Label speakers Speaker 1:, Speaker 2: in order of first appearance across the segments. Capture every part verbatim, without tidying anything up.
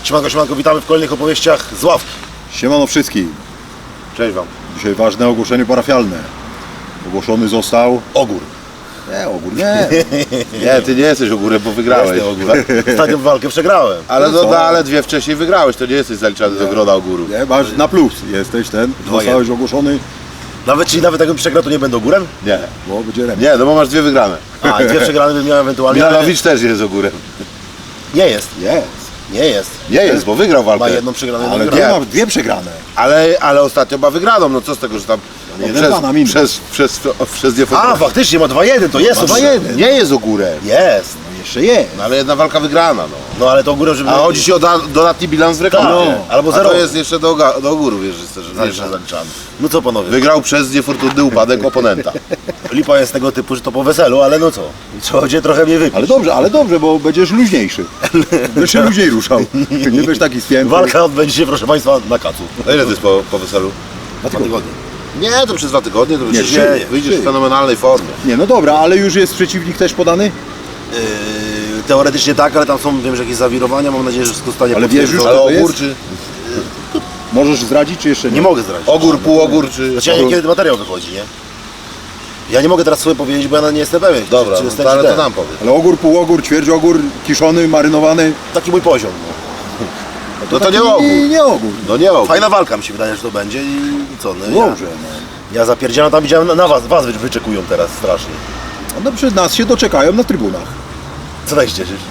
Speaker 1: Siemanko, siemanko, witamy w kolejnych opowieściach z ławki.
Speaker 2: Siemano wszystkim.
Speaker 1: Cześć wam.
Speaker 2: Dzisiaj ważne ogłoszenie parafialne. Ogłoszony został...
Speaker 1: Ogór.
Speaker 2: Nie, ogór nie.
Speaker 3: Nie, ty nie jesteś ogórem, bo wygrałeś.
Speaker 1: Jestem ogór. Ostatnią walkę przegrałem.
Speaker 3: Ale, no, no, ale dwie wcześniej wygrałeś, to nie jesteś zaliczany do grona ogórów.
Speaker 2: Nie, masz na plus. Jesteś ten. Zostałeś ogłoszony,
Speaker 1: Nawet, czyli nawet jakbym przegrał, to nie będę ogórem?
Speaker 3: Nie.
Speaker 2: bo będzie remis.
Speaker 3: Nie, no bo masz dwie wygrane.
Speaker 1: A, i dwie przegrane bym miał ewentualnie. ale
Speaker 3: Milanowicz też jest ogórem.
Speaker 1: Nie jest,
Speaker 2: Jest.
Speaker 1: nie jest.
Speaker 3: Nie jest, bo wygrał
Speaker 1: Ma
Speaker 3: walkę.
Speaker 1: jedną przegraną, jedną
Speaker 2: Ale
Speaker 1: wygraną.
Speaker 2: dwie, ma dwie przegrane.
Speaker 3: Ale, ale ostatnio ma wygraną, no co z tego, że tam no,
Speaker 2: jeden
Speaker 3: przez,
Speaker 2: dwa na minus.
Speaker 3: przez, przez, przez, przez nie
Speaker 1: A, faktycznie ma dwa jeden, to jest
Speaker 2: dwa
Speaker 1: ogórem.
Speaker 2: jeden.
Speaker 3: Nie jest ogórem.
Speaker 1: Jest.
Speaker 2: No jeszcze jest.
Speaker 3: No, ale jedna walka wygrana, no.
Speaker 1: No ale to ogórem, żeby...
Speaker 3: A chodzi ci o da, dodatni bilans w reklamie.
Speaker 1: Tak, no. Albo
Speaker 3: A
Speaker 1: zero.
Speaker 3: to jest jeszcze do, ga- do ogórów, wiesz, że że jeszcze zaliczany.
Speaker 1: No co panowie,
Speaker 3: Wygrał przez niefortunny upadek oponenta.
Speaker 1: lipa jest tego typu, że to po weselu, ale no co? Trzeba będzie trochę mnie wypić.
Speaker 2: Ale dobrze, ale dobrze, bo będziesz luźniejszy. Będziesz się luźniej ruszał. Nie będziesz taki spięty.
Speaker 1: Walka odbędzie się, proszę państwa, na kacu.
Speaker 3: A ile to jest po, po weselu?
Speaker 1: Dwa tygodnie.
Speaker 3: Nie, to przez dwa tygodnie, to wyjdziesz,
Speaker 1: trzy,
Speaker 3: wyjdziesz
Speaker 2: trzy.
Speaker 3: w fenomenalnej formie.
Speaker 2: Nie, no dobra, ale już jest przeciwnik też podany?
Speaker 1: Yy, teoretycznie tak, ale tam są, wiem, że jakieś zawirowania, mam nadzieję, że wszystko stanie
Speaker 2: Ale wiesz już,
Speaker 1: potwierdzone.
Speaker 3: Ale
Speaker 2: to
Speaker 3: ogór
Speaker 2: jest?
Speaker 3: czy...
Speaker 2: Możesz zdradzić, czy jeszcze nie?
Speaker 1: Nie mogę zdradzić.
Speaker 3: Ogór, półogór czy...
Speaker 1: Znaczy ja nie wiem, kiedy materiał wychodzi, nie? Ja nie mogę teraz sobie powiedzieć, bo ja nie jestem pewien.
Speaker 3: Dobra,
Speaker 1: czy, czy
Speaker 3: no
Speaker 1: jestem,
Speaker 3: to, ale
Speaker 1: czy
Speaker 3: to
Speaker 1: ten.
Speaker 3: nam powiedz.
Speaker 2: Ale ogór, półogór, ćwierćogór, kiszony, marynowany.
Speaker 1: Taki mój poziom. No.
Speaker 3: No to
Speaker 2: taki
Speaker 3: nie ogór.
Speaker 2: Nie ogór.
Speaker 3: No nie ogór.
Speaker 1: Fajna walka mi się wydaje, że to będzie i co? No,
Speaker 2: Dobrze,
Speaker 1: ja,
Speaker 2: no.
Speaker 1: ja zapierdzielam, tam widziałem, na- na was, was wy- wyczekują teraz strasznie.
Speaker 2: No przed nas się doczekają na trybunach.
Speaker 1: Co tak się cieszysz?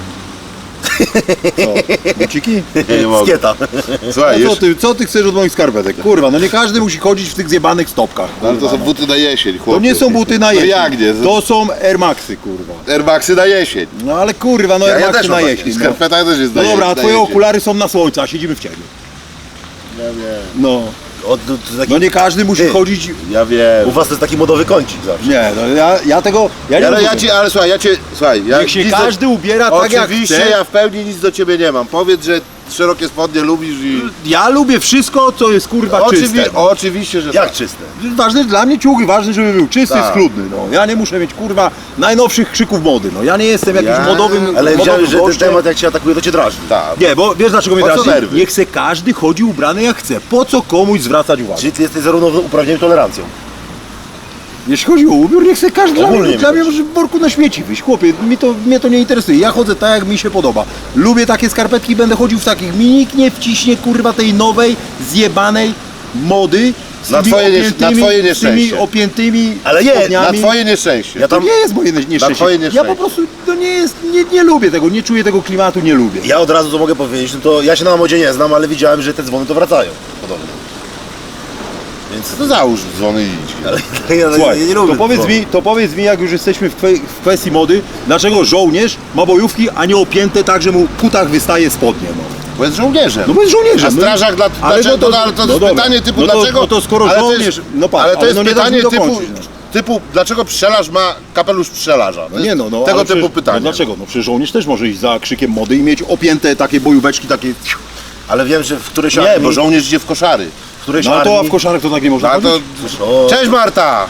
Speaker 2: Co? Buciki?
Speaker 3: Nie, nie mogę.
Speaker 1: Skieta.
Speaker 3: Słuchaj,
Speaker 2: A co
Speaker 3: już...
Speaker 2: ty, co ty chcesz od moich skarpetek? Kurwa, no nie każdy musi chodzić w tych zjebanych stopkach.
Speaker 3: No, ale to
Speaker 2: kurwa,
Speaker 3: są
Speaker 2: no.
Speaker 3: buty na jesień, chłopie.
Speaker 2: To nie są buty na
Speaker 3: No
Speaker 2: jesień.
Speaker 3: jak nie?
Speaker 2: To są Air Maxy, kurwa.
Speaker 3: Air Maxy na jesień.
Speaker 2: No ale kurwa, no
Speaker 3: Ja,
Speaker 2: Air
Speaker 3: ja
Speaker 2: Maxy
Speaker 3: też
Speaker 2: na
Speaker 3: mam takie.
Speaker 2: jesień. No,
Speaker 3: Skarpeta też jest na
Speaker 2: no dobra, a
Speaker 3: na
Speaker 2: twoje
Speaker 3: jesień.
Speaker 2: okulary są na słońcu, a siedzimy w cieniu.
Speaker 3: Ja wiem.
Speaker 2: No,
Speaker 1: Od, to, to taki,
Speaker 2: no nie każdy musi
Speaker 1: Ty.
Speaker 2: chodzić...
Speaker 3: Ja wiem.
Speaker 1: U was to jest taki modowy kącik zawsze.
Speaker 2: Nie, no ja, ja tego... Ja nie
Speaker 3: Ale ja
Speaker 2: rozumiem.
Speaker 3: ci, ale słuchaj, ja cię, słuchaj, ja
Speaker 2: Niech się
Speaker 3: nic
Speaker 2: każdy
Speaker 3: do...
Speaker 2: ubiera tak jak
Speaker 3: Oczywiście
Speaker 2: chce.
Speaker 3: ja w pełni nic do ciebie nie mam. Powiedz, że szerokie spodnie lubisz i...
Speaker 2: Ja lubię wszystko, co jest kurwa
Speaker 3: Oczywi...
Speaker 2: czyste.
Speaker 3: Oczywiście, że
Speaker 1: Jak
Speaker 3: tak.
Speaker 1: czyste?
Speaker 2: Ważne dla mnie ciuchy, ważne, żeby był czysty,
Speaker 3: Tak.
Speaker 2: schludny. No. Ja nie muszę mieć kurwa najnowszych krzyków mody. No. Ja nie jestem jakimś
Speaker 3: Ja-
Speaker 2: modowym
Speaker 1: Ale
Speaker 2: modowym
Speaker 1: widziałem, że ten
Speaker 2: gościem.
Speaker 1: temat jak cię atakuje, to cię drażni.
Speaker 3: Tak.
Speaker 2: Nie, bo wiesz dlaczego mnie
Speaker 3: Po co
Speaker 2: drażni?
Speaker 3: nerwy?
Speaker 2: Niech se każdy chodzi ubrany jak chce. Po co komuś zwracać uwagę?
Speaker 1: Czyli ty jesteś zarówno uprawnionym tolerancją.
Speaker 2: Jeśli chodzi o ubiór, niech se każdy... Dla
Speaker 1: Ogólnie
Speaker 2: mnie, dla mnie
Speaker 1: widać.
Speaker 2: może w worku na śmieci wyjść. Chłopie, mnie to, mnie to nie interesuje. Ja chodzę tak, jak mi się podoba. Lubię takie skarpetki, będę chodził w takich. Mi nikt nie wciśnie kurwa tej nowej, zjebanej mody. Z
Speaker 3: Na
Speaker 2: tymi
Speaker 3: twoje nie-
Speaker 2: opiętymi,
Speaker 3: na twoje
Speaker 2: z tymi
Speaker 3: nieszczęście.
Speaker 2: opiętymi
Speaker 1: Ale nie, na
Speaker 3: Na
Speaker 2: spodniami.
Speaker 3: twoje nieszczęście.
Speaker 1: Ja
Speaker 2: To
Speaker 1: tam,
Speaker 2: nie jest moje nieszczęście.
Speaker 3: twoje
Speaker 2: Ja
Speaker 3: nieszczęście.
Speaker 2: po prostu to nie jest, nie, nie lubię tego, nie czuję tego klimatu, nie lubię.
Speaker 1: ja od razu to mogę powiedzieć, no to ja się na modzie nie znam, ale widziałem, że te dzwony to wracają. Podobno. Więc
Speaker 3: To załóż dzwony i idź.
Speaker 1: ale ja,
Speaker 2: Słuchaj,
Speaker 1: ja nie lubię
Speaker 2: to powiedz,
Speaker 1: dzwonów.
Speaker 2: mi, to powiedz mi, jak już jesteśmy w, kwe, w kwestii mody, dlaczego żołnierz ma bojówki, a nie opięte tak, że mu w putach wystaje spodnie, no.
Speaker 3: Bo jest żołnierzem.
Speaker 2: No bo jest żołnierzem.
Speaker 3: A strażak dla,
Speaker 2: Ale
Speaker 3: dlaczego?
Speaker 2: no
Speaker 3: No, ale to
Speaker 2: no
Speaker 3: jest
Speaker 2: dobra.
Speaker 3: pytanie typu
Speaker 2: No to-
Speaker 3: dlaczego?
Speaker 2: no to skoro
Speaker 3: ale
Speaker 2: żołnierz-
Speaker 3: To jest,
Speaker 2: no patrz,
Speaker 3: ale to
Speaker 2: ale
Speaker 3: jest
Speaker 2: no nie dasz
Speaker 3: pytanie
Speaker 2: mi
Speaker 3: typu,
Speaker 2: dokończyć, no.
Speaker 3: typu, dlaczego pszczelarz ma kapelusz pszczelarza? To
Speaker 2: No
Speaker 3: jest
Speaker 2: nie no, no
Speaker 3: tego
Speaker 2: ale
Speaker 3: typu
Speaker 2: przecież,
Speaker 3: pytanie.
Speaker 2: No dlaczego? No przecież żołnierz też może iść za krzykiem mody i mieć opięte takie bojóweczki, takie...
Speaker 1: Ale wiem, że w którejś
Speaker 3: Nie,
Speaker 1: armii,
Speaker 3: bo żołnierz idzie w koszary.
Speaker 1: w którejś
Speaker 2: No a to a
Speaker 1: armii,
Speaker 2: w koszarek to tak nie można
Speaker 3: No, a to...
Speaker 2: chodzić?
Speaker 1: O,
Speaker 3: Cześć Marta!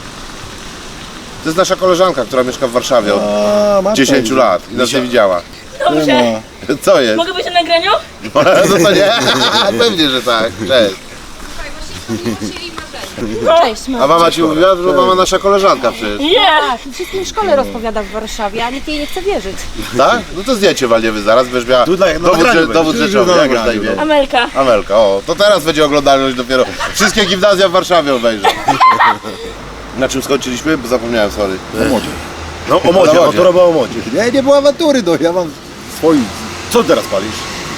Speaker 3: To jest nasza koleżanka, która mieszka w Warszawie od
Speaker 2: A, Marta
Speaker 3: dziesięciu
Speaker 2: idzie.
Speaker 3: lat i nas nie widziała.
Speaker 2: Nie
Speaker 4: Dobrze.
Speaker 2: ma.
Speaker 3: Co jest?
Speaker 4: Mogę być na nagraniu?
Speaker 3: No to nie? Pewnie, że tak. Cześć.
Speaker 4: Cześć,
Speaker 3: A mama ci mówiła, że mama nasza koleżanka przecież.
Speaker 4: Nie!
Speaker 5: Tak, wszystkim w szkole rozpowiada w Warszawie, a nikt jej nie chce wierzyć.
Speaker 3: Tak? No to zdjęcie walniemy zaraz, będziesz miała
Speaker 1: Tu na- na
Speaker 3: dowód,
Speaker 1: nagraniu
Speaker 3: że, dowód
Speaker 2: będzie.
Speaker 3: rzeczowy.
Speaker 2: Na
Speaker 3: Jak masz na
Speaker 2: nagraniu,
Speaker 3: imię?
Speaker 2: no.
Speaker 4: Amelka.
Speaker 3: Amelka, o, to teraz będzie oglądalność dopiero. Wszystkie gimnazja w Warszawie obejrzą. Na czym skończyliśmy? Bo zapomniałem, sorry.
Speaker 2: O modzie.
Speaker 1: no o modzie,
Speaker 3: Na
Speaker 1: no
Speaker 3: modzie.
Speaker 1: to robię o modzie.
Speaker 2: Nie, nie było awantury, no ja mam swoich...
Speaker 1: Co teraz palisz?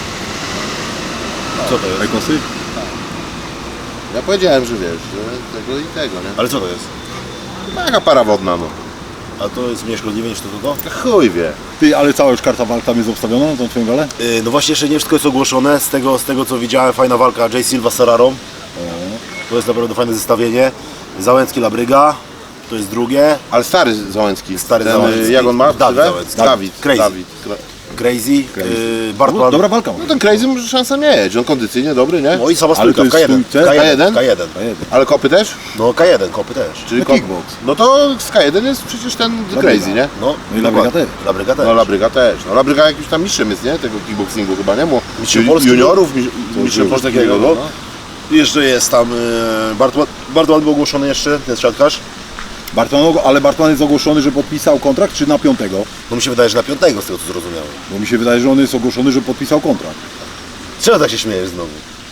Speaker 1: Co to jest?
Speaker 2: Rekosy?
Speaker 3: Ja powiedziałem, że wiesz, że tego i tego, nie?
Speaker 1: Ale co to jest?
Speaker 3: Taka para wodna, no.
Speaker 1: A to jest mniej szkodliwe niż to to? to?
Speaker 3: Chuj wie.
Speaker 2: Ty, ale cała już karta walk tam jest obstawiona na tą twoją galę?
Speaker 1: Yy, no właśnie jeszcze nie wszystko jest ogłoszone, z tego, z tego co widziałem, fajna walka Jay Silva z Serrarą. To jest naprawdę fajne zestawienie. Załęcki Labryga, to jest drugie.
Speaker 3: Ale stary Załęcki.
Speaker 1: Stary
Speaker 3: Ten,
Speaker 1: Załęcki.
Speaker 3: Jak on ma?
Speaker 1: Dawid
Speaker 3: ksywę?
Speaker 1: Załęcki.
Speaker 3: Dawid.
Speaker 1: Crazy.
Speaker 3: Dawid.
Speaker 1: Crazy,
Speaker 2: Crazy.
Speaker 1: Yy,
Speaker 2: No,
Speaker 1: Bartman.
Speaker 2: dobra walka.
Speaker 3: No ten Crazy może szansa mieć, on kondycyjnie dobry, nie?
Speaker 1: No i sama
Speaker 2: Ale
Speaker 1: stójka
Speaker 2: to
Speaker 1: w
Speaker 2: jest
Speaker 1: K jeden.
Speaker 2: stójce?
Speaker 1: K
Speaker 3: K
Speaker 1: jeden.
Speaker 3: jeden?
Speaker 1: K jeden.
Speaker 3: Ale kopy też?
Speaker 1: No K jeden, kopy też.
Speaker 3: Czyli
Speaker 2: No
Speaker 3: kop...
Speaker 2: kickbox.
Speaker 3: No to z K jeden jest przecież ten Crazy, nie?
Speaker 1: No,
Speaker 2: No i Labryga
Speaker 1: dokładnie.
Speaker 2: też.
Speaker 1: Labryga też.
Speaker 3: No Labryga też. No Labryga jakimś tam mistrzem jest, nie? Tego kickboxingu chyba, nie? Mu
Speaker 1: Mistrzem
Speaker 3: ju-
Speaker 1: Polski,
Speaker 3: juniorów, mi- mistrzem
Speaker 1: Coś
Speaker 3: Polski.
Speaker 1: takiego, no.
Speaker 3: no.
Speaker 1: Jeszcze jest tam yy, Bartman, Bartman był ogłoszony jeszcze, ten siatkarz.
Speaker 2: Bartman, ale Bartman jest ogłoszony, że podpisał kontrakt, czy na piątego?
Speaker 1: No mi się wydaje, że na piątego z tego co zrozumiałem.
Speaker 2: Bo mi się wydaje, że on jest ogłoszony, że podpisał kontrakt.
Speaker 1: Czego tak się śmiejesz znowu?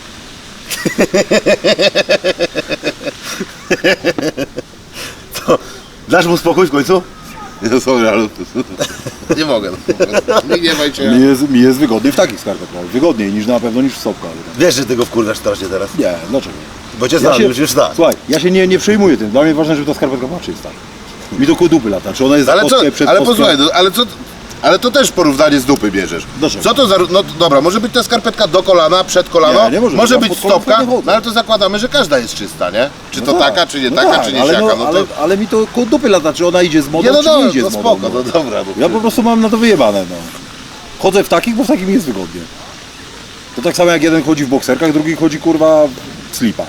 Speaker 1: To dasz mu spokój w końcu?
Speaker 3: No sorry, ale... nie mogę. No. Nie gniewaj się.
Speaker 2: Mi jest, mi jest wygodniej w takich skarpetkach. Wygodniej niż na pewno niż w stopkach.
Speaker 1: Wiesz, że tego wkurwiasz strasznie teraz.
Speaker 2: Nie, dlaczego?
Speaker 1: Bo cię znam, już już tak.
Speaker 2: Słuchaj, ja się nie, nie przejmuję tym. Dla mnie ważne, żeby ta skarpetka była czysta. Mi do koło dupy lata. Czy ona jest
Speaker 3: Ale co,
Speaker 2: kostkę przed
Speaker 3: ale
Speaker 2: kostką?
Speaker 3: posłuchaj, no, ale co... Ale to też porównanie z dupy bierzesz.
Speaker 2: Dlaczego?
Speaker 3: Co to za... No dobra, może być ta skarpetka do kolana, przed kolano,
Speaker 2: Nie, nie może
Speaker 3: może
Speaker 2: być.
Speaker 3: być
Speaker 2: Ja pod kolano
Speaker 3: stopka,
Speaker 2: nie chodzę.
Speaker 3: no ale to zakładamy, że każda jest czysta, nie? Czy to
Speaker 2: No tak,
Speaker 3: taka, czy nie
Speaker 2: no
Speaker 3: taka,
Speaker 2: tak,
Speaker 3: czy nie
Speaker 2: ale,
Speaker 3: siaka,
Speaker 2: no,
Speaker 3: no to...
Speaker 2: ale, ale mi to koło dupy lata, czy ona idzie z modą,
Speaker 3: Nie, no
Speaker 2: czy nie
Speaker 3: dobra,
Speaker 2: idzie
Speaker 3: no
Speaker 2: z modą.
Speaker 3: spoko, no dobra. No.
Speaker 2: Ja po prostu mam na to wyjebane, no. Chodzę w takich, bo w takich mi jest wygodnie. To tak samo jak jeden chodzi w bokserkach, drugi chodzi kurwa w slipach.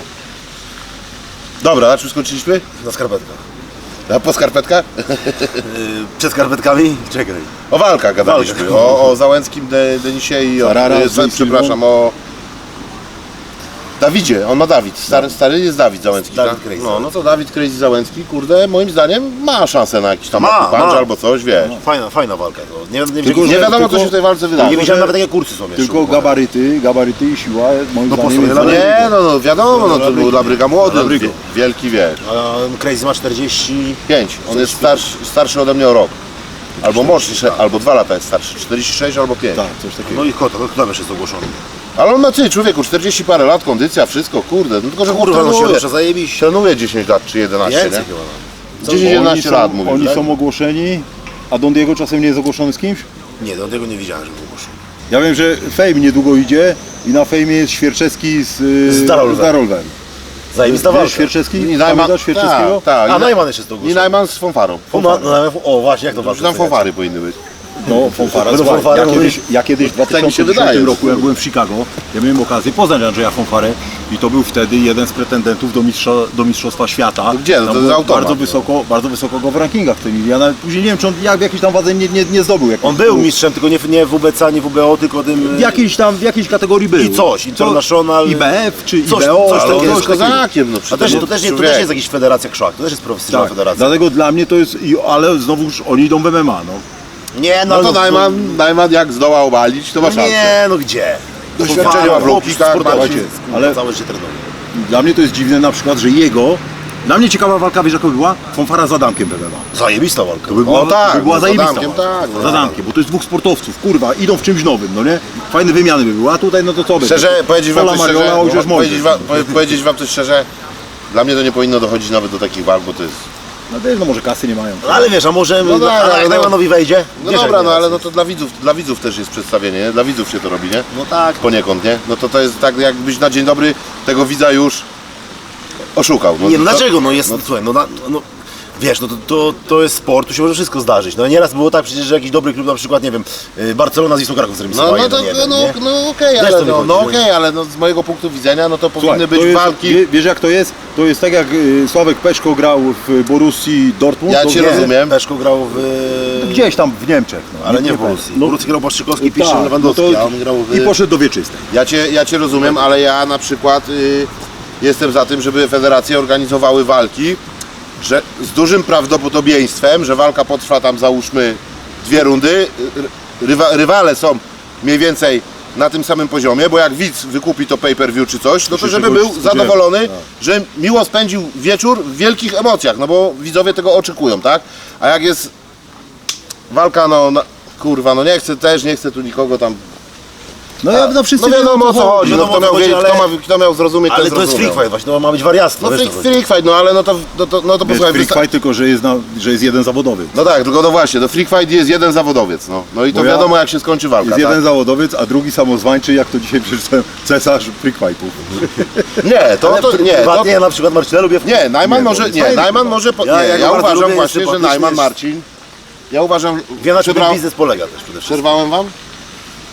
Speaker 3: Dobra, na czym skończyliśmy?
Speaker 1: Na skarpetkach.
Speaker 3: A po skarpetkach?
Speaker 1: Yy, przed skarpetkami? Czekaj.
Speaker 3: O walkach gadaliśmy,
Speaker 1: Walka.
Speaker 3: o, o Załęckim, De, Denisie i o,
Speaker 2: Ferrara,
Speaker 3: e,
Speaker 2: z
Speaker 3: przepraszam, o Dawidzie, on ma Dawid, stary, stary jest Dawid Załęcki,
Speaker 1: Dawid
Speaker 3: tak?
Speaker 1: Crazy.
Speaker 3: No, no to Dawid Crazy Załęcki, kurde, moim zdaniem ma szansę na jakiś tam
Speaker 1: Ma,
Speaker 3: punch
Speaker 1: ma.
Speaker 3: albo coś, wiesz.
Speaker 1: Fajna, fajna walka. To. Nie, nie,
Speaker 2: Tylko,
Speaker 1: nie,
Speaker 3: Nie
Speaker 2: że-
Speaker 3: wiadomo, co
Speaker 2: tylko-
Speaker 3: się w tej walce
Speaker 1: nie
Speaker 3: wydarzy.
Speaker 1: widziałem nawet jakie kursy są jeszcze.
Speaker 2: Tylko gabaryty, gabaryty i siła moim
Speaker 1: No po
Speaker 2: zdaniem
Speaker 1: sobie
Speaker 2: jest
Speaker 1: Labryga.
Speaker 3: Nie, no, no wiadomo, no to
Speaker 1: Labryga.
Speaker 3: był Labryga młody,
Speaker 1: Labrygo.
Speaker 3: wie- wielki, wiesz.
Speaker 1: A Crazy ma czterdzieści...
Speaker 3: Pięć, on jest starszy, starszy ode mnie o rok. Albo młodszy, albo dwa lata jest starszy, czterdzieści sześć albo pięć.
Speaker 2: Tak, coś takiego.
Speaker 1: No i kto, kto tam jeszcze jest ogłoszony?
Speaker 3: Ale on ma ty, człowieku, czterdzieści parę lat, kondycja, wszystko, kurde, no tylko że chłop
Speaker 1: Kurwa, no się
Speaker 3: trenuje.
Speaker 1: rusza, zajebiście.
Speaker 3: Trenuje dziesięć lat czy jedenaście,
Speaker 1: Więcej
Speaker 3: nie?
Speaker 1: chyba.
Speaker 3: dziesięć
Speaker 2: Oni
Speaker 3: jedenaście
Speaker 2: są-
Speaker 3: lat mówisz,
Speaker 2: Oni
Speaker 3: tak?
Speaker 2: są ogłoszeni, a Don Diego czasem nie jest ogłoszony z kimś?
Speaker 1: Nie, do tego nie widziałem, że był ogłoszony.
Speaker 2: Ja wiem, że Fame niedługo idzie i na Fejmie jest Świerczewski z, y,
Speaker 1: Z Darolwem.
Speaker 2: z Darolwem.
Speaker 1: Zajebista
Speaker 2: Wiesz
Speaker 1: walka.
Speaker 2: Świerczewski?
Speaker 3: I
Speaker 2: Pamiętasz Świerczewskiego?
Speaker 3: Tak, tak.
Speaker 1: A
Speaker 3: I
Speaker 1: Najman jeszcze jest to
Speaker 3: I
Speaker 1: ogłoszony.
Speaker 3: Najman z fanfarą.
Speaker 1: O, no, no, o właśnie, jak to
Speaker 3: Już
Speaker 1: walka?
Speaker 3: tam fanfary powinny być.
Speaker 2: No, fanfara.
Speaker 1: Będą
Speaker 2: Słuchaj,
Speaker 1: fanfary,
Speaker 2: ja,
Speaker 1: no
Speaker 2: kiedyś, ja kiedyś w
Speaker 3: Tak mi się
Speaker 2: dwa tysiące dziesiątym
Speaker 3: wydaje.
Speaker 2: roku, jak byłem w Chicago, ja miałem okazję poznać Andrzeja Fanfarę i to był wtedy jeden z pretendentów do, mistrza, do Mistrzostwa Świata.
Speaker 3: No gdzie? No
Speaker 2: Tam
Speaker 3: to
Speaker 2: było
Speaker 3: jest automat,
Speaker 2: bardzo
Speaker 3: no.
Speaker 2: wysoko, bardzo wysoko go w rankingach w tej chwili. Ja nawet później nie wiem, czy on jak w jakiejś tam wadze nie, nie, nie zdobył. jakichś
Speaker 1: On był
Speaker 2: punktów.
Speaker 1: mistrzem, tylko nie, w- nie w U B C, nie w U B O, tylko tym...
Speaker 2: W jakiejś tam, w jakiejś kategorii był.
Speaker 1: I coś, International...
Speaker 2: I B F czy
Speaker 1: Coś-
Speaker 2: I B O,
Speaker 1: coś
Speaker 2: ale
Speaker 1: takiego,
Speaker 2: coś
Speaker 1: coś
Speaker 2: takiego.
Speaker 3: kozakiem, no
Speaker 1: A
Speaker 3: przecież.
Speaker 1: też,
Speaker 3: no,
Speaker 1: to, też nie, to
Speaker 3: człowiek.
Speaker 1: też jest jakaś federacja krzak, to też jest profesjonalna
Speaker 2: Tak,
Speaker 1: federacja.
Speaker 2: dlatego dla mnie to jest, i- ale znowuż oni idą w M M A, no.
Speaker 1: Nie,
Speaker 3: No to Najman, Najman jak zdoła obalić, to ma szansę.
Speaker 1: Nie, no gdzie?
Speaker 3: Doświadczenie ma w low kickach,
Speaker 1: sportowy,
Speaker 3: Marcin.
Speaker 2: ale-
Speaker 1: ale całe się trenuje.
Speaker 2: Dla mnie to jest dziwne na przykład, że jego, dla mnie ciekawa walka, wiesz jaka by była? Fanfara z Adamkiem w M M A.
Speaker 1: Zajebista walka.
Speaker 2: To by była,
Speaker 3: O tak,
Speaker 2: by była
Speaker 3: no z
Speaker 2: zajebista
Speaker 3: Adamkiem,
Speaker 2: walka.
Speaker 3: tak, no.
Speaker 2: Z Adamkiem, bo to jest dwóch sportowców, kurwa, idą w czymś nowym, no nie? Fajne wymiany by były, a tutaj no to co by?
Speaker 3: Szczerze, powiedzieć wam
Speaker 2: Pola
Speaker 3: coś
Speaker 2: Mariola,
Speaker 3: szczerze,
Speaker 2: Ojciec
Speaker 3: powiedzieć
Speaker 2: Mojżesz.
Speaker 3: wam, powie- powiedzieć wam coś szczerze, dla mnie to nie powinno dochodzić nawet do takich walk, bo to jest...
Speaker 2: No wiesz, no może kasy nie mają.
Speaker 1: No ale wiesz, a może
Speaker 3: No tak,
Speaker 1: a
Speaker 3: ale
Speaker 1: jak
Speaker 3: no-
Speaker 1: Najmanowi wejdzie?
Speaker 3: No
Speaker 1: Wiesz,
Speaker 3: dobra,
Speaker 1: jak
Speaker 3: no
Speaker 1: nie
Speaker 3: ale
Speaker 1: raz.
Speaker 3: no to dla widzów, dla widzów też jest przedstawienie, nie? Dla widzów się to robi, nie?
Speaker 1: No tak.
Speaker 3: Poniekąd, nie? No to to jest tak, jakbyś na dzień dobry tego widza już oszukał.
Speaker 1: Nie, no
Speaker 3: to-
Speaker 1: dlaczego? No jest, słuchaj, no, na, no wiesz, no to, to, to jest sport, tu się może wszystko zdarzyć. No nieraz było tak przecież, że jakiś dobry klub, na przykład, nie wiem, y, Barcelona z Wisłą Kraków
Speaker 3: No,
Speaker 1: zremisowała
Speaker 3: no to,
Speaker 1: jeden jeden,
Speaker 3: no,
Speaker 1: nie?
Speaker 3: no okej,
Speaker 1: Wiesz,
Speaker 3: ale,
Speaker 1: co mi
Speaker 3: no,
Speaker 1: chodzi,
Speaker 3: no
Speaker 1: nie?
Speaker 3: okej, ale no, z mojego punktu widzenia, no to powinny
Speaker 2: Słuchaj,
Speaker 3: być
Speaker 2: to jest,
Speaker 3: walki.
Speaker 2: wie- Wiesz jak to jest? To jest tak jak y, Sławek Peszko grał w Borussii Dortmund.
Speaker 3: Ja
Speaker 2: to
Speaker 3: cię
Speaker 2: wie-
Speaker 3: rozumiem.
Speaker 1: Peszko grał w...
Speaker 2: Gdzieś tam w Niemczech. No,
Speaker 1: Ale nie w
Speaker 2: pamiętam.
Speaker 1: Borussii. W Borussii grał Błaszczykowski, Piszczek,
Speaker 2: tak,
Speaker 1: Lewandowski,
Speaker 2: no to-
Speaker 1: a on grał w...
Speaker 2: I poszedł do wieczystej.
Speaker 3: Ja cię, ja cię rozumiem, ale ja na przykład y, jestem za tym, żeby federacje organizowały walki, że z dużym prawdopodobieństwem, że walka potrwa tam załóżmy dwie rundy, y, rywa, rywale są mniej więcej na tym samym poziomie, bo jak widz wykupi to pay-per-view czy coś, no to
Speaker 2: się
Speaker 3: żeby
Speaker 2: czegoś
Speaker 3: był
Speaker 2: spodziewa.
Speaker 3: zadowolony,
Speaker 2: Tak.
Speaker 3: że miło spędził wieczór w wielkich emocjach, no bo widzowie tego oczekują, tak? A jak jest walka, no, na, kurwa, no nie chcę też, nie chcę tu nikogo tam...
Speaker 2: No ja no wszyscy
Speaker 3: No wiadomo o co chodzi, no
Speaker 1: wiadomo,
Speaker 3: kto
Speaker 1: o co
Speaker 3: miał,
Speaker 1: chodzi,
Speaker 3: wiedzieć,
Speaker 1: ale-
Speaker 3: kto, ma, kto miał zrozumieć,
Speaker 1: Ale
Speaker 3: ten
Speaker 1: to jest
Speaker 3: zrozumiał.
Speaker 1: freak fight właśnie, to ma być wariactwo,
Speaker 3: No
Speaker 1: wiesz,
Speaker 3: freak,
Speaker 1: co chodzi.
Speaker 3: freak fight, no ale no to, no to, no to
Speaker 2: Wiesz,
Speaker 3: posłuchaj,
Speaker 2: freak
Speaker 3: wysta-
Speaker 2: fight tylko, że jest, na, że jest jeden zawodowy.
Speaker 3: no tak, tylko no właśnie, do freak fight jest jeden zawodowiec, no, no i to
Speaker 2: Bo ja-
Speaker 3: wiadomo jak się skończy walka,
Speaker 2: Jest
Speaker 3: tak?
Speaker 2: jeden zawodowiec, a drugi samozwańczy, jak to dzisiaj przeczytałem, cesarz freak fightów.
Speaker 3: Nie, to,
Speaker 1: Ale
Speaker 3: to, nie, to,
Speaker 1: prywatnie ja na przykład Marcina lubię w...
Speaker 3: nie, Najman
Speaker 2: Nie, no,
Speaker 3: może,
Speaker 2: jest
Speaker 3: nie,
Speaker 2: fajny,
Speaker 3: Najman
Speaker 2: no.
Speaker 3: może, po,
Speaker 1: Ja-
Speaker 3: nie,
Speaker 1: ja
Speaker 3: ja,
Speaker 1: go bardzo
Speaker 3: uważam
Speaker 1: lubię,
Speaker 3: właśnie, że
Speaker 1: sympatyczny
Speaker 3: Najman
Speaker 1: jest.
Speaker 3: Marcin, ja uważam,
Speaker 1: Wie na czym ten
Speaker 3: przerwa-
Speaker 1: biznes polega też przede wszystkim.
Speaker 3: przerwałem wam?